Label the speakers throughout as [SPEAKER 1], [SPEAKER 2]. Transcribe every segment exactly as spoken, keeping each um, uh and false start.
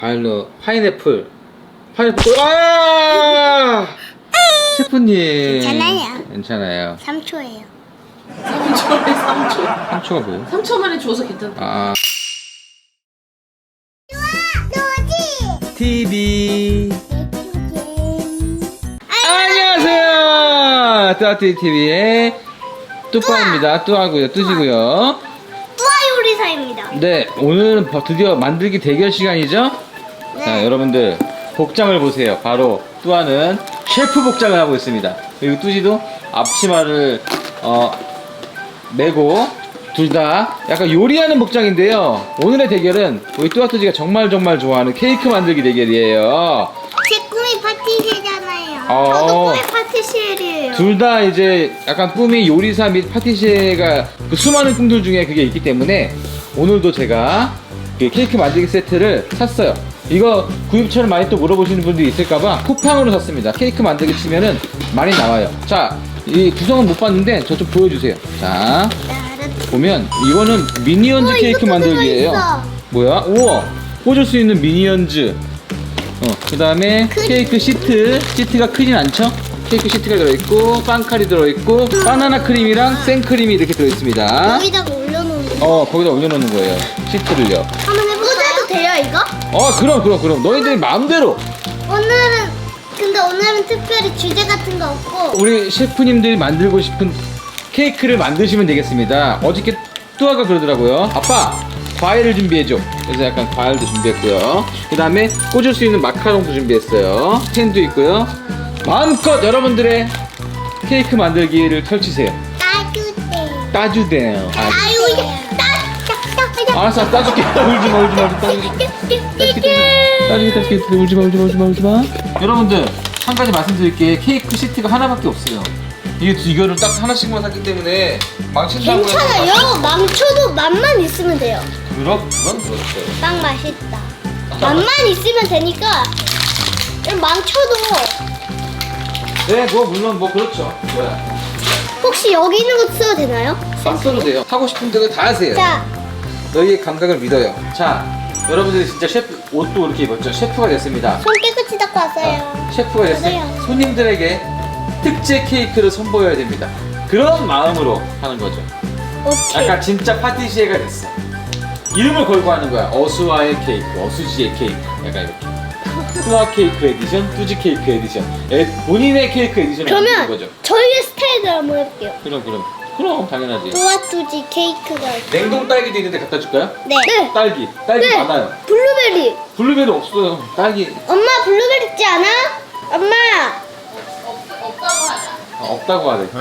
[SPEAKER 1] 알로 파인애플 파인애플 아 셰프님
[SPEAKER 2] 괜찮아요.
[SPEAKER 1] 괜찮아요.
[SPEAKER 2] 삼 초예요.
[SPEAKER 3] 삼 초에 삼 초.
[SPEAKER 1] 삼 초가 뭐예요?
[SPEAKER 3] 삼 초 만에 줘서 괜찮다.
[SPEAKER 1] 아
[SPEAKER 2] 노지.
[SPEAKER 1] 티비 안녕하세요. 뚜아뚜이 티비의 뚜빠입니다. 뚜하고요 뚜지고요.
[SPEAKER 2] 뚜아 요리사입니다.
[SPEAKER 1] 네, 오늘은 드디어 만들기 대결 시간이죠?
[SPEAKER 2] 네.
[SPEAKER 1] 자, 여러분들 복장을 보세요. 바로 뚜아는 셰프 복장을 하고 있습니다. 그리고 뚜지도 앞치마를 어, 메고 둘 다 약간 요리하는 복장인데요. 오늘의 대결은 우리 뚜아 뚜지가 정말 정말 좋아하는 케이크 만들기 대결이에요.
[SPEAKER 2] 제 꿈이 파티시에잖아요.
[SPEAKER 1] 어.
[SPEAKER 2] 저도 꿈이 파티시에예요.
[SPEAKER 1] 둘 다 이제 약간 꿈이 요리사 및 파티시에가 그 수많은 꿈들 중에 그게 있기 때문에 오늘도 제가 그 케이크 만들기 세트를 샀어요. 이거 구입처를 많이 또 물어보시는 분들이 있을까봐 쿠팡으로 샀습니다. 케이크 만들기 치면은 많이 나와요. 자, 이 구성은 못 봤는데 저 좀 보여주세요. 자, 보면 이거는 미니언즈
[SPEAKER 2] 우와,
[SPEAKER 1] 케이크
[SPEAKER 2] 이것도
[SPEAKER 1] 만들기예요.
[SPEAKER 2] 들어있어.
[SPEAKER 1] 뭐야? 우와! 꽂을 수 있는 미니언즈. 어, 그 다음에 케이크 시트. 시트가 크진 않죠? 케이크 시트가 들어있고, 빵칼이 들어있고, 바나나 크림이랑 생크림이 이렇게 들어있습니다.
[SPEAKER 2] 여기다가 올려놓는 거.
[SPEAKER 1] 어, 거기다 올려놓는 거예요. 시트를요.
[SPEAKER 2] 한번 해볼까요? 꽂아도 돼요 이거?
[SPEAKER 1] 어, 그럼, 그럼, 그럼. 너희들 마음대로.
[SPEAKER 2] 오늘은 근데 오늘은 특별히 주제 같은 거 없고
[SPEAKER 1] 우리 셰프님들이 만들고 싶은 케이크를 만드시면 되겠습니다. 어저께 뚜아가 그러더라고요. 아빠, 과일을 준비해줘. 그래서 약간 과일도 준비했고요. 그 다음에 꽂을 수 있는 마카롱도 준비했어요. 펜도 있고요. 마음껏 여러분들의 케이크 만들기를 펼치세요.
[SPEAKER 2] 따주세요.
[SPEAKER 1] 따주대요. 아,
[SPEAKER 2] 아유 이게 따따따따.
[SPEAKER 1] 알았어, 따줄게. 울지마, 울지마, 따줄게. 따줄게, 따줄게, 따줄게. 울지마, 울지마, 울지마, 울지마. 여러분들, 한 가지 말씀드릴게. 케이크 시트가 하나밖에 없어요. 이게 이거를 딱 하나씩만 샀기 때문에 망친다고 해서
[SPEAKER 2] 괜찮아요. 망쳐도 맛만 있으면 돼요.
[SPEAKER 1] 그럼 그건 그렇죠.
[SPEAKER 2] 빵 맛있다. 맛만 있으면 되니까 망쳐도
[SPEAKER 1] 네, 뭐 물론 뭐 그렇죠. 뭐야?
[SPEAKER 2] 혹시 여기 있는 거 써도 되나요?
[SPEAKER 1] 막 써도 돼요. 하고 싶은 대로 다 하세요.
[SPEAKER 2] 자,
[SPEAKER 1] 너희의 감각을 믿어요. 자, 여러분들이 진짜 셰프 옷도 이렇게 입었죠. 셰프가 됐습니다.
[SPEAKER 2] 손 깨끗이 닦고 왔어요.
[SPEAKER 1] 어, 셰프가 됐으니
[SPEAKER 2] 맞아요.
[SPEAKER 1] 손님들에게 특제 케이크를 선보여야 됩니다. 그런 마음으로 하는 거죠.
[SPEAKER 2] 오케이.
[SPEAKER 1] 약간 진짜 파티시에가 됐어. 이름을 걸고 하는 거야. 어수와의 케이크, 어수지의 케이크. 약간 이렇게. 뚜아 케이크 에디션, 뚜지 케이크 에디션. 에, 본인의 케이크 에디션을 만드는
[SPEAKER 2] 그러면
[SPEAKER 1] 거죠.
[SPEAKER 2] 저희의 스타일을 한번 해볼게요.
[SPEAKER 1] 그럼 그럼 그럼 당연하지.
[SPEAKER 2] 뚜아뚜지 케이크가
[SPEAKER 1] 냉동 딸기도 있는데 갖다 줄까요?
[SPEAKER 2] 네. 네.
[SPEAKER 1] 딸기, 딸기
[SPEAKER 2] 네.
[SPEAKER 1] 많아요.
[SPEAKER 2] 블루베리.
[SPEAKER 1] 블루베리 없어요. 딸기
[SPEAKER 2] 엄마 블루베리 있지 않아? 엄마.
[SPEAKER 3] 없, 없다고 하자.
[SPEAKER 1] 아, 없다고 하래.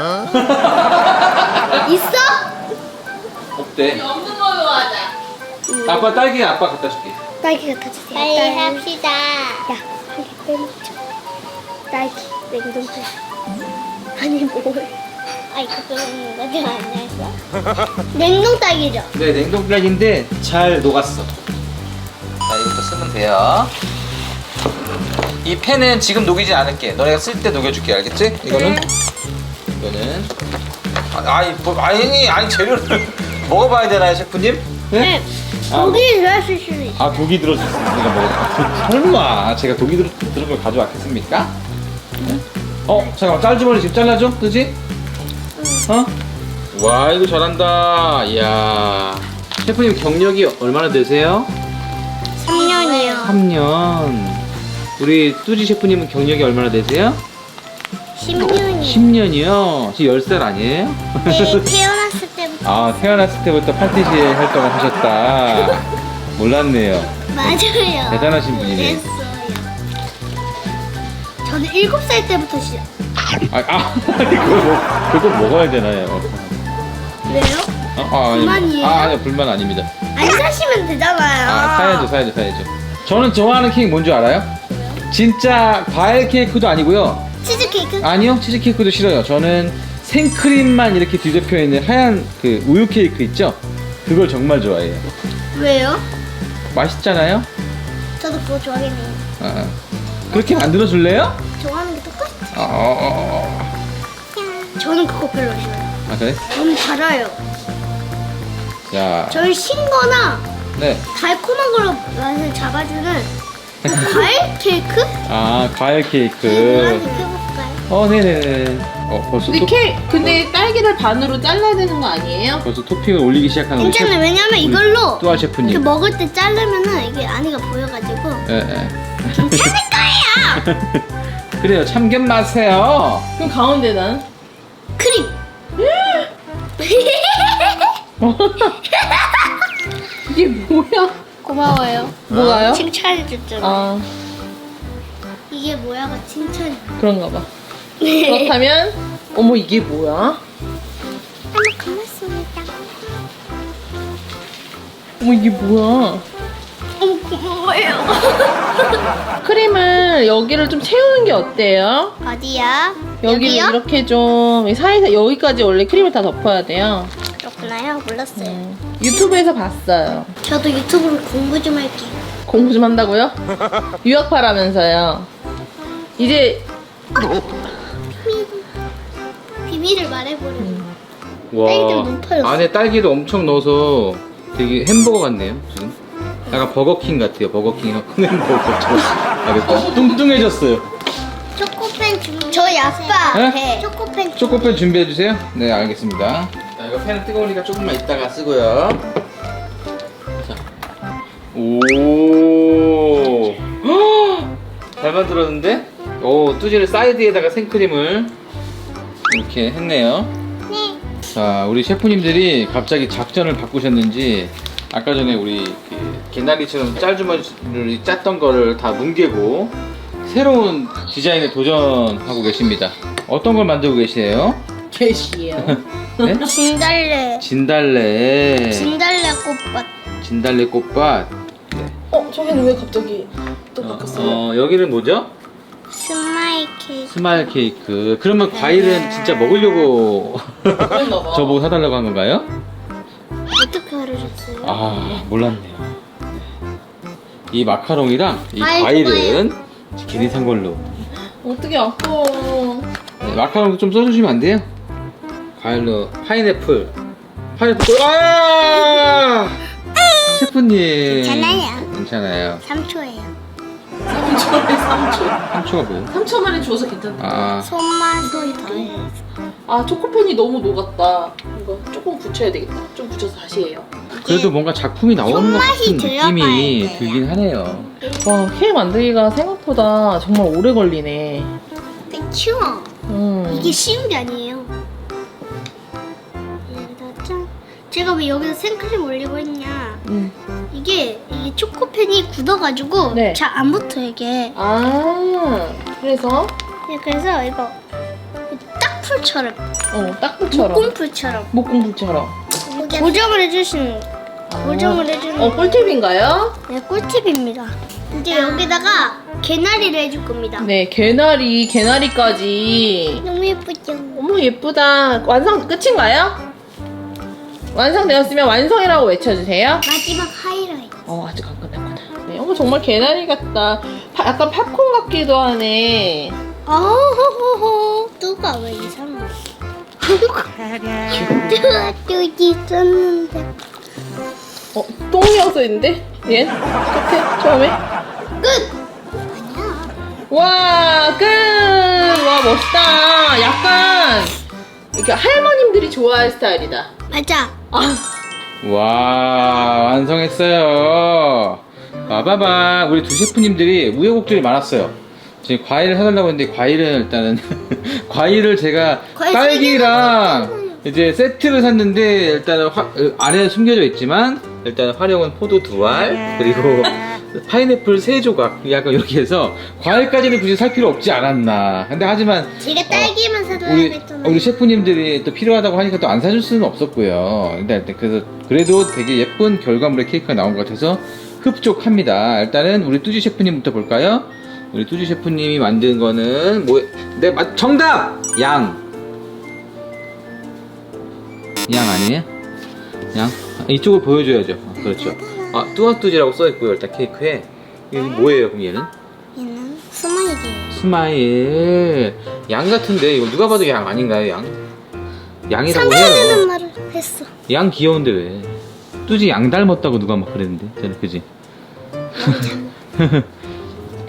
[SPEAKER 2] 있어?
[SPEAKER 1] 없대.
[SPEAKER 3] 없는 걸로 하자.
[SPEAKER 1] 아빠 딸기 아빠 갖다 줄게.
[SPEAKER 2] 딸기 갖다 주세요. 빨리 합시다. 야, 한 개 빼먹자. 딸기 냉동실. 아니 뭘? 아 이거 빼먹는 거지 아니야? 냉동 딸기죠.
[SPEAKER 1] 네, 냉동 딸기인데 잘 녹았어. 자, 이것도 쓰면 돼요. 이 펜은 지금 녹이지 않을게. 너네가 쓸 때 녹여줄게, 알겠지? 이거는
[SPEAKER 2] 그래.
[SPEAKER 1] 이거는 아, 아니 뭐 아니 아니 재료를 먹어봐야 되나요, 셰프님?
[SPEAKER 2] 네.
[SPEAKER 1] 아,
[SPEAKER 2] 고기 들어있을 수도 있어.
[SPEAKER 1] 아 독이 들어서 내가 뭐 아, 설마 제가 독이 들어 들은 걸 가져왔겠습니까? 어 잠깐만 짤주머니 지금 잘라줘, 그지? 어? 와 이거 잘한다. 이야 셰프님 경력이 얼마나 되세요?
[SPEAKER 2] 삼 년이요.
[SPEAKER 1] 삼 년. 우리 뚜지 셰프님은 경력이 얼마나 되세요?
[SPEAKER 2] 십 년이요.
[SPEAKER 1] 십 년이요. 지금 열 살 아니에요?
[SPEAKER 2] 네, 태어났을 때부터.
[SPEAKER 1] 아 태어났을 때부터 파티시에 활동을 하셨다. 몰랐네요.
[SPEAKER 2] 맞아요.
[SPEAKER 1] 대단하신 분이네.
[SPEAKER 2] 그랬어요. 저는 일곱 살 때부터 시작.
[SPEAKER 1] 아, 아 그걸, 먹, 그걸 먹어야 되나요?
[SPEAKER 2] 왜요?
[SPEAKER 1] 아, 아, 아니,
[SPEAKER 2] 불만이에요?
[SPEAKER 1] 아, 아니요, 불만 아닙니다.
[SPEAKER 2] 안 사시면 되잖아요.
[SPEAKER 1] 아, 사야죠, 사야죠, 사야죠. 저는 좋아하는 케이크 뭔지 알아요? 진짜 과일 케이크도 아니고요.
[SPEAKER 2] 치즈케이크?
[SPEAKER 1] 아니요, 치즈 케이크도 싫어요. 저는 생크림만 이렇게 뒤덮여 있는 하얀 그 우유 케이크 있죠? 그걸 정말 좋아해요.
[SPEAKER 2] 왜요?
[SPEAKER 1] 맛있잖아요?
[SPEAKER 2] 저도 그거 좋아하겠네요.
[SPEAKER 1] 아, 아. 그렇게 만들어 줄래요?
[SPEAKER 2] 좋아하는 게 똑같아.
[SPEAKER 1] 아, 어, 어,
[SPEAKER 2] 저는 그거 별로 싫어요.
[SPEAKER 1] 어. 아, 그래?
[SPEAKER 2] 저는 달아요.
[SPEAKER 1] 야,
[SPEAKER 2] 저는 신거나
[SPEAKER 1] 네.
[SPEAKER 2] 달콤한 걸로 맛을 잡아주는 과일 케이크?
[SPEAKER 1] 아, 과일 케이크.
[SPEAKER 2] 하나씩 해볼까요?
[SPEAKER 1] 어, 네네네. 어, 벌써
[SPEAKER 3] 근데
[SPEAKER 1] 또,
[SPEAKER 3] 케 근데 딸기를 반으로 잘라야 되는 거 아니에요?
[SPEAKER 1] 벌써 토핑을 올리기 시작하는 우리
[SPEAKER 2] 괜찮아요.
[SPEAKER 1] 셰프,
[SPEAKER 2] 왜냐면
[SPEAKER 1] 우리
[SPEAKER 2] 이걸로
[SPEAKER 1] 뚜아
[SPEAKER 2] 이렇게
[SPEAKER 1] 셰프님.
[SPEAKER 2] 먹을 때 자르면은 이게 안에가 보여가지고
[SPEAKER 1] 예, 예.
[SPEAKER 2] 괜찮을 거예요.
[SPEAKER 1] 그래요. 참견 마세요.
[SPEAKER 3] 그럼 가운데 난?
[SPEAKER 2] 크림.
[SPEAKER 3] 이게 뭐야?
[SPEAKER 2] 고마워요.
[SPEAKER 3] 뭐가요?
[SPEAKER 2] 칭찬해줬잖아.
[SPEAKER 3] 아
[SPEAKER 2] 이게 뭐야가 칭찬.
[SPEAKER 3] 그런가 봐. 그렇다면 어머 이게 뭐야?
[SPEAKER 2] 한번 고맙습니다.
[SPEAKER 3] 어머 이게 뭐야?
[SPEAKER 2] 어머 고마워요.
[SPEAKER 3] 크림을 여기를 좀 채우는 게 어때요?
[SPEAKER 2] 어디야?
[SPEAKER 3] 여기를
[SPEAKER 2] 여기요?
[SPEAKER 3] 이렇게 좀 사이사 여기까지 원래 크림을 다 덮어야 돼요.
[SPEAKER 2] 그렇구나요. 몰랐어요.
[SPEAKER 3] 음, 유튜브에서 봤어요.
[SPEAKER 2] 저도 유튜브로 공부 좀 할게요.
[SPEAKER 3] 공부 좀 한다고요? 유학파라면서요. 이제
[SPEAKER 2] 비밀을 말해버려.
[SPEAKER 1] 와,
[SPEAKER 2] 딸기도 높아요.
[SPEAKER 1] 안에 딸기도 엄청 넣어서 되게 햄버거 같네요, 지금. 약간 버거킹 같아요, 버거킹이랑 큰 햄버거처럼. 아, 네, 뚱뚱해졌어요.
[SPEAKER 2] 초코펜 준비. 저희 아빠
[SPEAKER 1] 네?
[SPEAKER 2] 배. 초코펜.
[SPEAKER 1] 초코펜 준비해주세요. 네, 알겠습니다. 자, 이거 펜은 뜨거우니까 조금만 이따가 쓰고요. 자. 오. 헉! 잘 만들었는데? 오, 뚜지를 사이드에다가 생크림을 이렇게 했네요.
[SPEAKER 2] 네.
[SPEAKER 1] 자, 우리 셰프님들이 갑자기 작전을 바꾸셨는지 아까 전에 우리 그 개나리처럼 짤주머니를 짰던 거를 다 뭉개고 새로운 디자인에 도전하고 계십니다. 어떤 걸 만들고 계시에요?
[SPEAKER 3] 게시예요.
[SPEAKER 1] 네?
[SPEAKER 2] 진달래.
[SPEAKER 1] 진달래.
[SPEAKER 2] 진달래 꽃밭.
[SPEAKER 1] 진달래 꽃밭. 네.
[SPEAKER 3] 어 저기는 왜 갑자기 또 바뀌었어요?
[SPEAKER 1] 어, 여기는 뭐죠?
[SPEAKER 2] 스마일 케이크.
[SPEAKER 1] 스마일 케이크. 그러면 과일은 진짜 먹으려고
[SPEAKER 3] 그랬나 봐.
[SPEAKER 1] 저보고 사달라고 한 건가요?
[SPEAKER 2] 어떻게 알으셨어요?
[SPEAKER 1] 아, 몰랐네요. 이 마카롱이랑 이
[SPEAKER 2] 아이,
[SPEAKER 1] 과일은 괜히 산 걸로.
[SPEAKER 3] 어떻게 아까워.
[SPEAKER 1] 네, 마카롱도 좀 써주시면 안 돼요? 과일로 파인애플. 파인애플. 아! 셰프님.
[SPEAKER 2] 괜찮아요.
[SPEAKER 1] 괜찮아요.
[SPEAKER 2] 삼 초예요.
[SPEAKER 3] 삼 초에 삼 초.
[SPEAKER 1] 삼 초가 뭐예요?
[SPEAKER 3] 삼 초 만에 줘서 괜찮다.
[SPEAKER 1] 아,
[SPEAKER 2] 손맛이 더해요.
[SPEAKER 3] 아 초코펜이 너무 녹았다. 이거 조금 붙여야 되겠다. 좀 붙여서 다시 해요.
[SPEAKER 1] 그래도 뭔가 작품이 나오는 것
[SPEAKER 2] 손맛이
[SPEAKER 1] 같은
[SPEAKER 2] 들어가야
[SPEAKER 1] 느낌이
[SPEAKER 2] 돼요.
[SPEAKER 1] 들긴 하네요.
[SPEAKER 3] 와 케이크 만들기가 생각보다 정말 오래 걸리네.
[SPEAKER 2] 그쵸?
[SPEAKER 3] 음.
[SPEAKER 2] 이게 쉬운 게 아니에요. 짠. 제가 왜 여기서 생크림 올리고 있냐?
[SPEAKER 3] 음.
[SPEAKER 2] 이게 이게 초코펜이 굳어가지고
[SPEAKER 3] 네.
[SPEAKER 2] 잘 안 붙어 이게.
[SPEAKER 3] 아 그래서
[SPEAKER 2] 네, 그래서 이거 딱풀처럼,
[SPEAKER 3] 어 딱풀처럼
[SPEAKER 2] 목공풀처럼
[SPEAKER 3] 목공풀처럼.
[SPEAKER 2] 고정을 해주시는 고정을 해주는.
[SPEAKER 3] 어 꿀팁인가요?
[SPEAKER 2] 네, 꿀팁입니다. 이제 여기다가 개나리를 해줄 겁니다.
[SPEAKER 3] 네 개나리 개나리까지.
[SPEAKER 2] 너무 예쁘죠?
[SPEAKER 3] 어머 예쁘다. 완성 끝인가요? 완성되었으면 완성이라고 외쳐주세요.
[SPEAKER 2] 마지막 하이라이트.
[SPEAKER 3] 어 아직 안 끝났구나. 네, 어머 정말 개나리 같다. 파- 약간 팝콘 같기도 하네.
[SPEAKER 2] 아호호호. 뚜가 왜 이상해? 뚜가 뚜지 썼는데.
[SPEAKER 3] 어 똥이어서 있는데? 얘 끝에 처음에.
[SPEAKER 2] 끝.
[SPEAKER 3] 와 끝. 와 멋있다. 약간 이렇게 할머님들이 좋아할 스타일이다.
[SPEAKER 2] 맞아.
[SPEAKER 3] 아
[SPEAKER 1] 와, 완성했어요. 봐봐봐. 우리 두 셰프님들이 우여곡절이 많았어요. 지금 과일을 사달라고 했는데 과일은 일단은 과일을 제가
[SPEAKER 2] 과일
[SPEAKER 1] 딸기랑 이제 세트를 샀는데 일단은 화, 어, 안에 숨겨져 있지만 일단 활용은 포도 두 알 그리고 파인애플 세 조각 약간 이렇게 해서 과일까지는 굳이 살 필요 없지 않았나. 근데 하지만
[SPEAKER 2] 제가 딸기만 사달라고
[SPEAKER 1] 우리
[SPEAKER 2] 했잖아요.
[SPEAKER 1] 우리 셰프님들이 또 필요하다고 하니까 또 안 사줄 수는 없었고요. 근데 일단 그래서 그래도 되게 예쁜 결과물의 케이크가 나온 것 같아서 흡족합니다. 일단은 우리 뚜지 셰프님부터 볼까요? 우리 뚜지 셰프님이 만든 거는 뭐? 네, 맞 정답! 양. 양 아니에요? 양? 이쪽을 보여줘야죠. 어, 그렇죠. 아, 뚜아뚜지라고 써있고요. 일단 케이크에. 이게 뭐예요, 그럼 얘는?
[SPEAKER 2] 얘는 스마일이에요.
[SPEAKER 1] 스마일. 양 같은데 이거 누가 봐도 양 아닌가요, 양? 양이라고
[SPEAKER 2] 상관하는
[SPEAKER 1] 해요.
[SPEAKER 2] 말을 했어.
[SPEAKER 1] 양 귀여운데 왜? 뚜지 양 닮았다고 누가 막 그랬는데, 저는 그지?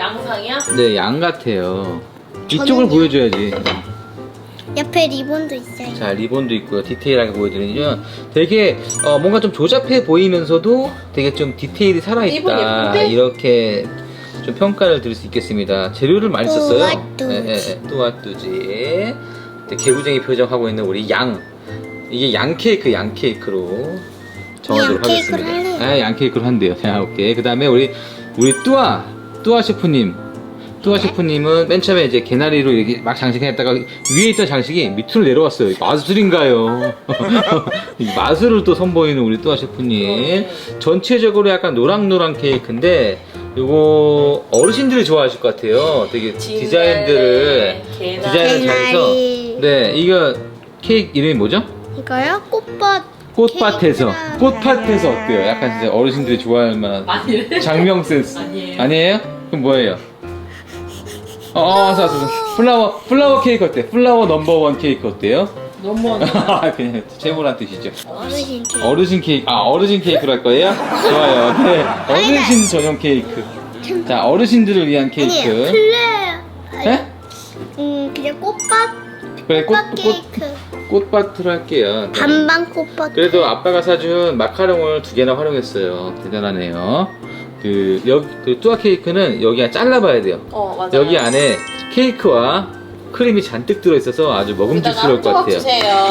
[SPEAKER 3] 양상이야?
[SPEAKER 1] 네, 양 같아요. 이쪽을
[SPEAKER 2] 저는요.
[SPEAKER 1] 보여줘야지.
[SPEAKER 2] 옆에 리본도 있어요.
[SPEAKER 1] 자, 리본도 있고요. 디테일하게 보여드리죠. 되게 어, 뭔가 좀 조잡해 보이면서도 되게 좀 디테일이
[SPEAKER 3] 리본
[SPEAKER 1] 살아있다.
[SPEAKER 3] 예쁜데?
[SPEAKER 1] 이렇게 좀 평가를 드릴 수 있겠습니다. 재료를 많이 썼어요.
[SPEAKER 2] 뚜아뚜지.
[SPEAKER 1] 예, 예, 예. 뚜아뚜지. 개구쟁이 표정하고 있는 우리 양. 이게 양 케이크, 양 케이크로 정하도록
[SPEAKER 2] 양 케이크로
[SPEAKER 1] 하겠습니다.
[SPEAKER 2] 할래요.
[SPEAKER 1] 아, 양 케이크로 한대요. 자, 오케이. 그 다음에 우리 우리 뚜아 뚜아 셰프님. 뚜아
[SPEAKER 2] 네.
[SPEAKER 1] 셰프님은 맨 처음에 이제 개나리로 이렇게 막 장식했다가 위에 있던 장식이 밑으로 내려왔어요. 마술인가요? 이 마술을 또 선보이는 우리 뚜아 셰프님. 전체적으로 약간 노랑노랑 케이크인데 이거 어르신들이 좋아하실 것 같아요. 되게
[SPEAKER 3] 진달래,
[SPEAKER 1] 디자인들을
[SPEAKER 3] 개나리.
[SPEAKER 1] 디자인을 잘해서.
[SPEAKER 2] 개나리.
[SPEAKER 1] 네, 이거 케이크 이름이 뭐죠?
[SPEAKER 2] 이거요? 꽃밭.
[SPEAKER 1] 꽃밭에서.
[SPEAKER 2] 케이크랑.
[SPEAKER 1] 꽃밭에서 어때요? 약간 진짜 어르신들이 좋아할 만한
[SPEAKER 3] 아니래.
[SPEAKER 1] 장명 센스.
[SPEAKER 3] 아니에요.
[SPEAKER 1] 아니에요? 그럼 뭐예요? 어, 어, 왔어, 왔어. 플라워, 플라워 케이크 어때? 플라워 넘버원 케이크 어때요?
[SPEAKER 3] 너무
[SPEAKER 1] 그냥 최고란 뜻이죠.
[SPEAKER 2] 어르신 케이크.
[SPEAKER 1] 어르신 케이크, 아, 어르신 케이크로 할 거예요? 좋아요. 네. 어르신 전용 케이크. 자, 어르신들을 위한
[SPEAKER 2] 아니에요.
[SPEAKER 1] 케이크.
[SPEAKER 2] 플레.
[SPEAKER 1] 네?
[SPEAKER 2] 음 그냥 꽃밭.
[SPEAKER 1] 그래, 꽃,
[SPEAKER 2] 꽃밭
[SPEAKER 1] 꽃,
[SPEAKER 2] 케이크.
[SPEAKER 1] 꽃밭으로 할게요. 네.
[SPEAKER 2] 반반 꽃밭.
[SPEAKER 1] 그래도 아빠가 사준 마카롱을 두 개나 활용했어요. 대단하네요. 그, 여기, 그 뚜아 케이크는 여기 안에 잘라봐야 돼요.
[SPEAKER 3] 어 맞아요.
[SPEAKER 1] 여기 안에 케이크와 크림이 잔뜩 들어있어서 아주 먹음직스러울 것
[SPEAKER 3] 조각
[SPEAKER 1] 같아요.
[SPEAKER 3] 주세요.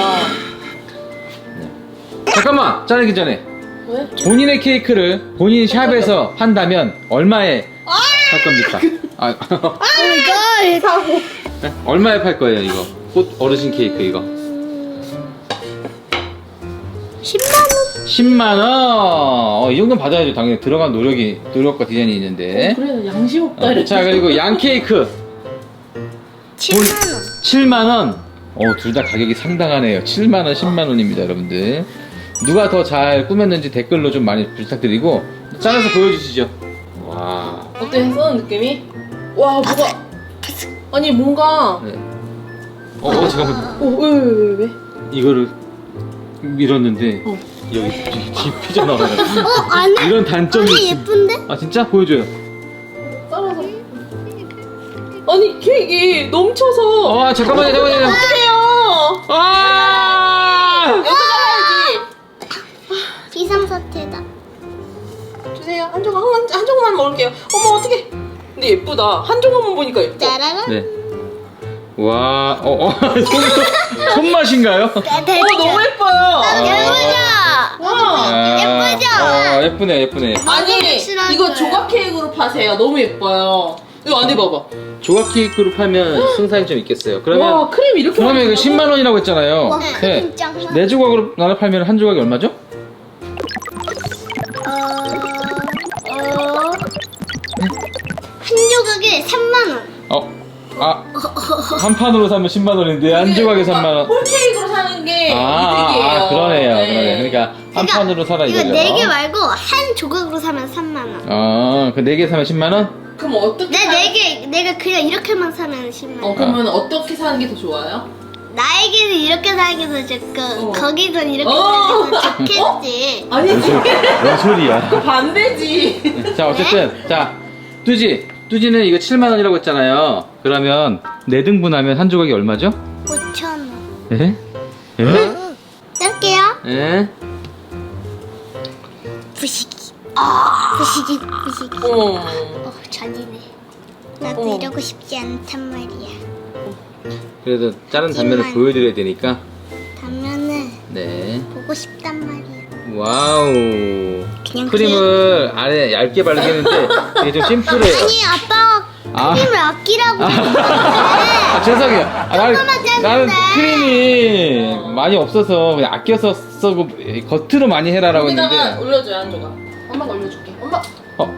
[SPEAKER 1] 잠깐만! 자르기 전에
[SPEAKER 3] 왜?
[SPEAKER 1] 본인의 케이크를 본인 샵에서 한다면 얼마에 할 겁니까? 아,
[SPEAKER 2] 오마이갓. 사고.
[SPEAKER 1] 네? 얼마에 팔 거예요 이거? 꽃 어르신 케이크 이거
[SPEAKER 2] 십만 원.
[SPEAKER 1] 십만 원! 어, 이 정도는 받아야죠. 당연히 들어간 노력이 노력과 디자인이 있는데.
[SPEAKER 3] 그래도 양심 없다.
[SPEAKER 1] 어,
[SPEAKER 3] 이랬지.
[SPEAKER 1] 자, 그리고 양 케이크
[SPEAKER 2] 칠만 원.
[SPEAKER 1] 칠만 원. 어, 둘 다 가격이 상당하네요. 칠만 원, 십만 원입니다, 여러분들. 누가 더 잘 꾸몄는지 댓글로 좀 많이 부탁드리고 잘라서 보여주시죠. 와.
[SPEAKER 3] 어때? 써는 느낌이? 와 뭐가? 아니 뭔가.
[SPEAKER 1] 네. 어, 어 잠깐만.
[SPEAKER 3] 어왜왜 왜 왜, 왜?
[SPEAKER 1] 이거를 밀었는데
[SPEAKER 3] 어.
[SPEAKER 1] 여기 뒤, 뒤 삐져나와요.
[SPEAKER 2] 어 안에.
[SPEAKER 1] 이런 단점이
[SPEAKER 2] 아니
[SPEAKER 1] 있...
[SPEAKER 2] 예쁜데?
[SPEAKER 1] 아 진짜? 보여줘요.
[SPEAKER 3] 잘라서. 아니 케이크 넘쳐서.
[SPEAKER 1] 아 잠깐만요, 잠깐만요.
[SPEAKER 3] 어떡해요?
[SPEAKER 1] 아!
[SPEAKER 3] 이거 잘라야지.
[SPEAKER 2] 비상사태다.
[SPEAKER 3] 주세요. 한 조각 한, 한 조각만 먹을게요. 어머 어떡해. 근데 예쁘다. 한 조각만 보니까 예뻐.
[SPEAKER 2] 짜라란.
[SPEAKER 1] 네. 와, 어, 어, 손, 손맛인가요?
[SPEAKER 3] 어 너무 예뻐요.
[SPEAKER 2] 예쁘죠?
[SPEAKER 3] 와.
[SPEAKER 1] 아,
[SPEAKER 2] 예쁘죠?
[SPEAKER 1] 어, 예쁘네, 예쁘네.
[SPEAKER 3] 아니
[SPEAKER 2] 확실한
[SPEAKER 3] 이거
[SPEAKER 2] 거예요.
[SPEAKER 3] 조각 케이크로 파세요. 너무 예뻐요. 이거 안에 봐봐.
[SPEAKER 1] 조각 케이크로 팔면 승산이 좀 있겠어요. 그러면
[SPEAKER 3] 와 크림 이렇게
[SPEAKER 1] 그러면
[SPEAKER 3] 많이
[SPEAKER 1] 이거 십만 원이라고 했잖아요.
[SPEAKER 2] 와,
[SPEAKER 1] 네.
[SPEAKER 2] 크림 짱.
[SPEAKER 1] 네 조각으로 나눠 팔면 한 조각이 얼마죠?
[SPEAKER 2] 어, 어, 한 조각에 삼만 원.
[SPEAKER 1] 어, 아, 한 판으로 사면 십만 원인데 한 조각에 삼만 원.
[SPEAKER 3] 홀 케이크로 사는 게
[SPEAKER 1] 아, 아,
[SPEAKER 3] 이득이에요.
[SPEAKER 1] 아, 그러네요,
[SPEAKER 3] 네.
[SPEAKER 1] 그러네. 그러니까 한
[SPEAKER 2] 그러니까
[SPEAKER 1] 판으로 사라
[SPEAKER 2] 이거
[SPEAKER 1] 이거죠.
[SPEAKER 2] 네 개 말고 한 조각으로 사면 삼만 원.
[SPEAKER 1] 어, 그 네 개 사면 십만 원?
[SPEAKER 3] 그럼 어떻게?
[SPEAKER 2] 내
[SPEAKER 3] 사-
[SPEAKER 2] 네 개, 내가 그냥 이렇게만 사면 십만
[SPEAKER 3] 어
[SPEAKER 2] 원.
[SPEAKER 3] 그러면 어떻게 사는 게 더 좋아요?
[SPEAKER 2] 나에게는 이렇게 사기도 좋고,
[SPEAKER 3] 어.
[SPEAKER 2] 거기선 이렇게
[SPEAKER 3] 어.
[SPEAKER 2] 사기도 좋겠지.
[SPEAKER 3] 아니지.
[SPEAKER 1] 뭔 소리야?
[SPEAKER 3] 반대지.
[SPEAKER 1] 자, 어쨌든 자, 뚜지, 뚜지는 이거 칠만 원이라고 했잖아요. 그러면 네 등분하면 한 조각이 얼마죠?
[SPEAKER 2] 오천 원.
[SPEAKER 1] 예? 예?
[SPEAKER 2] 짤게요.
[SPEAKER 1] 예?
[SPEAKER 2] 부시기. 아. 부시기, 부시기.
[SPEAKER 3] 어머.
[SPEAKER 2] 어, 잔이네. 나도
[SPEAKER 3] 어머.
[SPEAKER 2] 이러고 싶지 않단 말이야.
[SPEAKER 1] 그래도 다른 단면을
[SPEAKER 2] 하지만-
[SPEAKER 1] 보여드려야 되니까.
[SPEAKER 2] 단면을
[SPEAKER 1] 네.
[SPEAKER 2] 보고 싶단 말이야.
[SPEAKER 1] 와우.
[SPEAKER 2] 그냥
[SPEAKER 1] 크림을 안에 얇게 바르겠는데 이게 좀 심플해요.
[SPEAKER 2] 아니, 아빠가
[SPEAKER 1] 아.
[SPEAKER 2] 크림을 아끼라고.
[SPEAKER 1] 아, 죄송해요. 아, 나는,
[SPEAKER 2] 조금만 짰는데.
[SPEAKER 1] 나는 크림이 많이 없어서 그냥 아껴서 쓰고 겉으로 많이 해라라고
[SPEAKER 3] 여기다가
[SPEAKER 1] 했는데.
[SPEAKER 3] 올려줘요 한 조각. 엄마가 올려줄게. 엄마.
[SPEAKER 1] 어.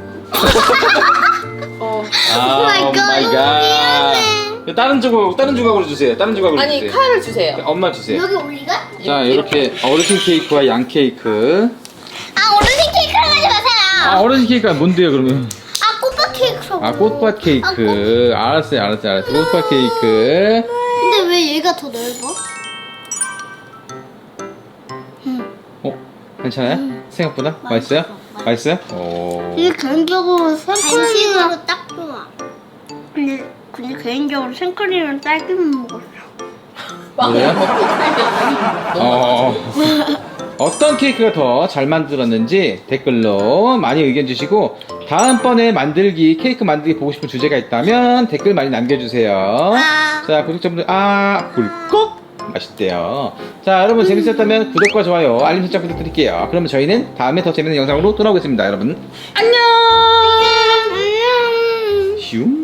[SPEAKER 3] 어.
[SPEAKER 1] 아,
[SPEAKER 2] 오 마이 갓,
[SPEAKER 1] 오 마이 갓. 다른 조각, 다른 조각으로 주세요. 다른 조각으로
[SPEAKER 3] 아니
[SPEAKER 1] 주세요.
[SPEAKER 3] 칼을 주세요.
[SPEAKER 1] 엄마 주세요.
[SPEAKER 2] 여기 올리가?
[SPEAKER 1] 자, 이렇게 어르신 케이크와 양 케이크.
[SPEAKER 2] 아, 어르신 케이크 하지 마세요.
[SPEAKER 1] 아, 어르신 케이크가 뭔데요, 그러면?
[SPEAKER 2] 아, 꽃밭 케이크.
[SPEAKER 1] 아, 꽃밭 케이크. 알았어요, 알았어요, 알았어요. 꽃밭 케이크.
[SPEAKER 2] 근데 왜 얘가 더 넓어?
[SPEAKER 1] 어? 괜찮아요? 생각보다? 맛있어요? 맛있어요? 오.
[SPEAKER 2] 근데 개인적으로 생크림은 딱 좋아. 근데 근데 개인적으로 생크림은 딸기만 먹었어.
[SPEAKER 1] 그래요? 어. 어떤 케이크가 더 잘 만들었는지 댓글로 많이 의견 주시고 다음번에 만들기 케이크 만들기 보고 싶은 주제가 있다면 댓글 많이 남겨주세요.
[SPEAKER 2] 아.
[SPEAKER 1] 자 구독자분들 아 꿀꺽 맛있대요. 자 여러분 재밌었다면 구독과 좋아요 알림 설정 부탁드릴게요. 그러면 저희는 다음에 더 재밌는 영상으로 돌아오겠습니다. 여러분 안녕.
[SPEAKER 2] 안녕.
[SPEAKER 1] 슝.